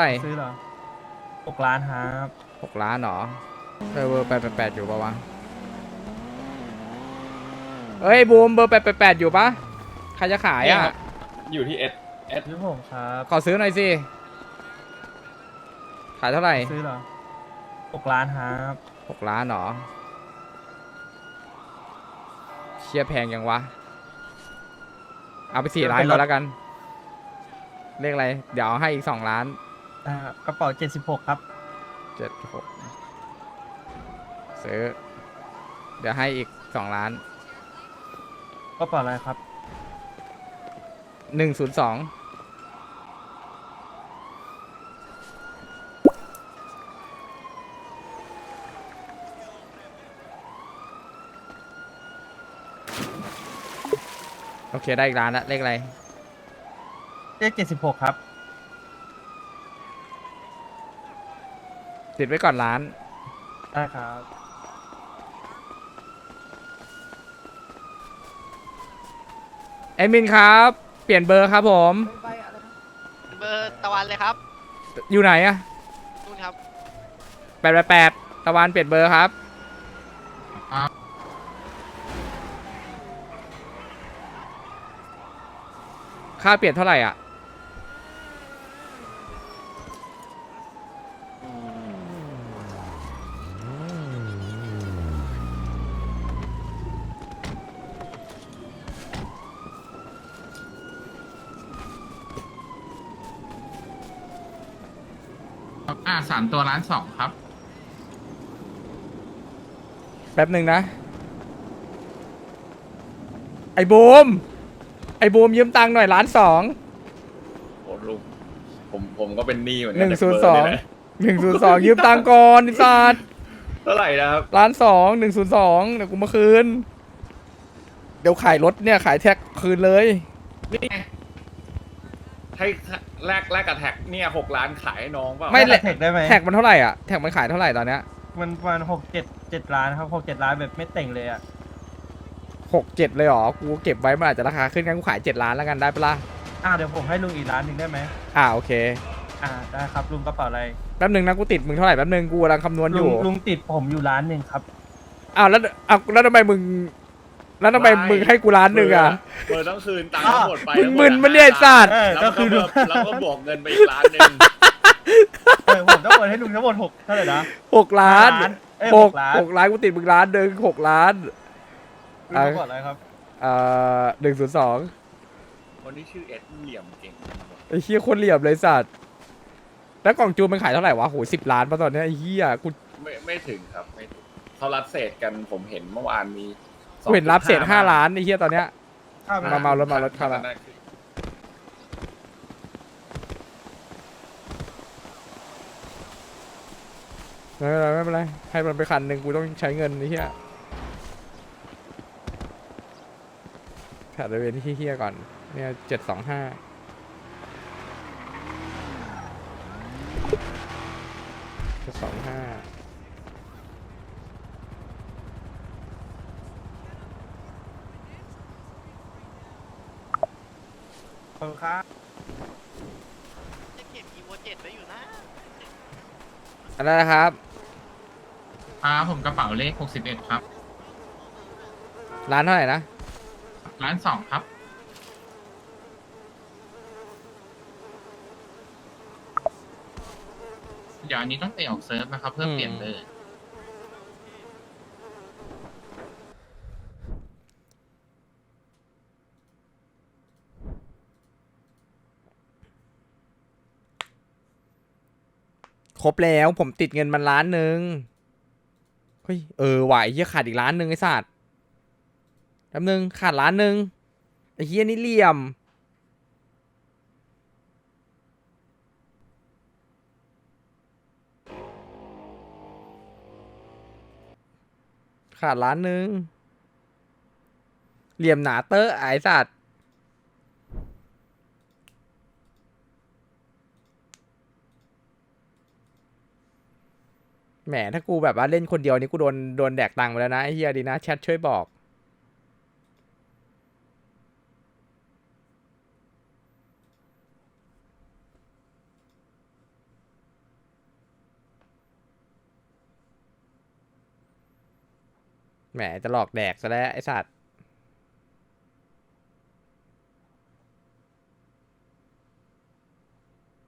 ไหร่ซื้อเหรอ6 ล้านครับ 6 ล้านเหรอเบอร์888อยู่ปะวะเอ้ยบูมเบอร์888อยู่ปะใครจะขายอ่ะเนี่ยครับอยู่ที่เอสซื้อผมครับขอซื้อหน่อยสิขายเท่าไหร่ซื้อเหรอ6 ล้านครับ 6 ล้านเหรอเชียแพงยังวะเอาไป4 ล้านก่อนแล้วกันเลขอะไรเดี๋ยวเอาให้อีก2 ล้านกระเป๋า76ครับ 76ซื้อเดี๋ยวให้อีก2 ล้านกระเป๋าอะไรครับ 102โอเคได้อีกล้านละเลขอะไรเลข76ครับติดไว้ก่อนล้านได้ครับแอดมินครับเปลี่ยนเบอร์ครับผมเบอร์ตะวันเลยครับอยู่ไหนอะนู่นครับ 888ตะวันเปลี่ยนเบอร์ครับค่าเปลี่ยนเท่าไหร่อ่ะ 3 ตัว1,200,000ครับแป๊บหนึ่งนะไอ้บูมยืมตังค์หน่อย1,200,000 โอ้ลุงผมก็เป็นหนี้เหมือนกั 102 จากเบอร์นี่แหละ 102ยืมตังค์ก่อนไอ้สัตว์เท่าไหร่นะครับ 1,200,000 102เดี๋ยวกูมาคืนเดี๋ยวขายรถเนี่ยขายแท็กคืนเลยนี่ไงให้แลกกับแท็กเนี่ย6 ล้านขายให้น้องเปล่าไม่แลกแท็กได้ไหมแท็กมันเท่าไหร่อ่ะแท็กมันขายเท่าไหร่ตอนเนี้ยมันประมาณ6-7 ล้านครับ6-7 ล้านแบบไม่แต่งเลยอ่ะ 6-7เลยเหรอกูเก็บไว้มันอาจจะราคาขึ้นงั้นกูขาย7 ล้านแล้วกันได้ปะล่ะเดี๋ยวผมให้ลุงอีก1 ล้านได้ไหมโอเคได้ครับลุงกระเป๋าอะไรแป๊บหนึงนะกูติดมึงเท่าไหร่แป๊บหนึงกูกำลังคำนวณอยู่ลุงติดผมอยู่1 ล้านครับแล้วทำไมมึงให้กู1,000,000อ่ะเบอร์ต้องคืนตังค์ทั้งหมดไปมึงมึนมันเนี่ยไอ้สัตว์แล้วก็บวกเงินไปอีกล้านหนึ่งผมต้องโอนให้ลุงทั้งหมด6เท่าไหร่นะ 6 ล้านหกล้าน 6 ล้านกูติดมึง1,000,000 6 ล้านลุงกระเป๋าอะไรครับ 102 คนที่ชื่อเอสเหลี่ยมเก่งไอ้เหี้ยคนเหลี่ยมเลยสัตว์แล้วกล่องจูนมันขายเท่าไหร่วะโห10 ล้านป่ะตอนเนี้ยไอ้เหี้ยกูไม่ถึงครับไม่ถึงเขารับเศษกันผมเห็นเมื่อวานมีเห็นรับเศษ5 ล้านไอ้เหี้ยตอนเนี้ย มาเมารถเข้ามา ไม่เป็นไรให้มันไป1,000กูต้องใช้เงินไอ้เหี้ยแผดบริเวณที่เหี้ยก่อนเนี่ย725 ขอบคุณครับจะเก็บอีโว7ไว้อยู่นะอันนั้นนะครับผมกระเป๋าเลข61ครับร้านเท่าไหร่นะ 1,200,000ครับเดี๋ยวอันนี้ต้องเตะออกเซิร์ฟนะครับเพื่อเปลี่ยนเบอร์ครบแล้วผมติดเงินมัน1,000,000เฮ้ยไหวเหี้ยขาดอีก1,000,000ไอ้สัตว์แป๊บนึงขาด1,000,000ไอ้เหี้ยนี่เหลี่ยมขาด1,000,000เหลี่ยมหนาเตอร์ไอ้สัตว์แหมถ้ากูแบบว่าเล่นคนเดียวนี่กูโดนแดกตังค์ไปแล้วนะไอ้เฮียดีนะแชทช่วยบอกแหมจะหลอกแดกซะแล้วไอ้สัตว์